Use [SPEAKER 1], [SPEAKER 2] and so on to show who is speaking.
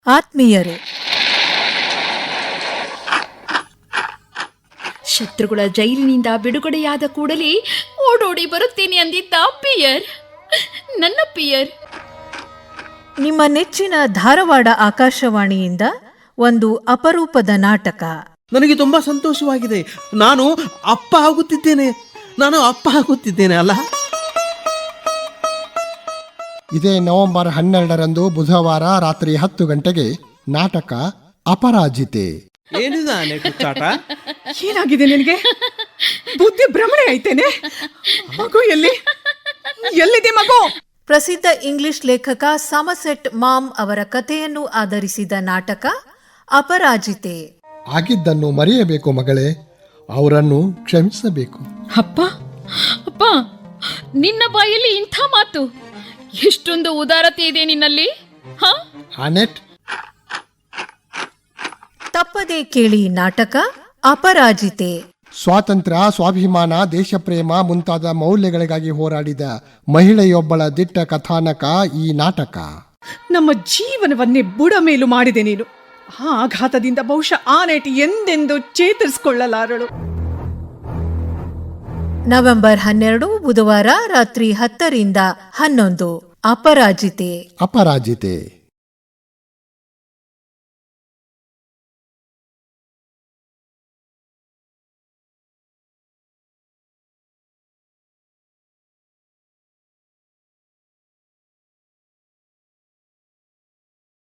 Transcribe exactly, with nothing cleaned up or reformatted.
[SPEAKER 1] ಆತ್ಮೀಯರು,
[SPEAKER 2] ಶತ್ರುಗಳ ಜೈಲಿನಿಂದ ಬಿಡುಗಡೆಯಾದ ಕೂಡಲೇ ಓಡೋಡಿ ಬರುತ್ತೇನೆ ಅಂದಿದ್ದ ಪಿಯರ್, ನನ್ನ ಪಿಯರ್.
[SPEAKER 1] ನಿಮ್ಮ ನೆಚ್ಚಿನ ಧಾರವಾಡ ಆಕಾಶವಾಣಿಯಿಂದ ಒಂದು ಅಪರೂಪದ ನಾಟಕ.
[SPEAKER 3] ನನಗೆ ತುಂಬಾ ಸಂತೋಷವಾಗಿದೆ. ನಾನು ಅಪ್ಪ ಆಗುತ್ತಿದ್ದೇನೆ. ನಾನು ಅಪ್ಪ ಆಗುತ್ತಿದ್ದೇನೆ ಅಲ್ಲ.
[SPEAKER 4] ಇದೇ ನವೆಂಬರ್ ಹನ್ನೆರಡರಂದು ಬುಧವಾರ ರಾತ್ರಿ ಹತ್ತು ಗಂಟೆಗೆ ನಾಟಕ ಅಪರಾಜಿತೆ.
[SPEAKER 3] ಏನಿದಾನೆ ಕುಚ್ಚಾಟ?
[SPEAKER 5] ಏನಾಗಿದೆ ನಿನಗೆ? ಬುದ್ಧಿ ಭ್ರಮಣೆ ಐತೇನೆ? ಮಗು ಎಲ್ಲಿ ಎಲ್ಲಿದೆ ಮಗು?
[SPEAKER 1] ಪ್ರಸಿದ್ಧ ಇಂಗ್ಲಿಷ್ ಲೇಖಕ ಸಮಸೆಟ್ ಮಾಮ್ ಅವರ ಕಥೆಯನ್ನು ಆಧರಿಸಿದ ನಾಟಕ ಅಪರಾಜಿತೆ.
[SPEAKER 4] ಆಗಿದ್ದನ್ನು ಮರೆಯಬೇಕು ಮಗಳೇ, ಅವರನ್ನು ಕ್ಷಮಿಸಬೇಕು.
[SPEAKER 2] ಅಪ್ಪ ಅಪ್ಪ, ನಿನ್ನ ಬಾಯಲ್ಲಿ ಇಂಥ ಮಾತು? ಎಷ್ಟೊಂದು ಉದಾರತೆ ಇದೆ ನಿನ್ನಲ್ಲಿ. ಹಾ
[SPEAKER 4] ಆನೆಟ್,
[SPEAKER 1] ತಪ್ಪದೇ ಕೇಳಿ ನಾಟಕ ಅಪರಾಜಿತೆ.
[SPEAKER 4] ಸ್ವಾತಂತ್ರ್ಯ, ಸ್ವಾಭಿಮಾನ, ದೇಶಪ್ರೇಮ ಮುಂತಾದ ಮೌಲ್ಯಗಳಿಗಾಗಿ ಹೋರಾಡಿದ ಮಹಿಳೆಯೊಬ್ಬಳ ದಿಟ್ಟ ಕಥಾನಕ ಈ ನಾಟಕ.
[SPEAKER 5] ನಮ್ಮ ಜೀವನವನ್ನೇ ಬುಡಮೇಲು ಮಾಡಿದೆ ನೀನು. ಆ ಆಘಾತದಿಂದ ಬಹುಶಃ ಆನೆಟ್ ಎಂದೆಂದು ಚೇತರಿಸಿಕೊಳ್ಳಲಾರಳು.
[SPEAKER 1] ನವೆಂಬರ್ ಹನ್ನೆರಡು ಬುಧವಾರ ರಾತ್ರಿ ಹತ್ತರಿಂದ ಹನ್ನೊಂದು. ಅಪರಾಜಿತೆ.
[SPEAKER 4] ಅಪರಾಜಿತೆ.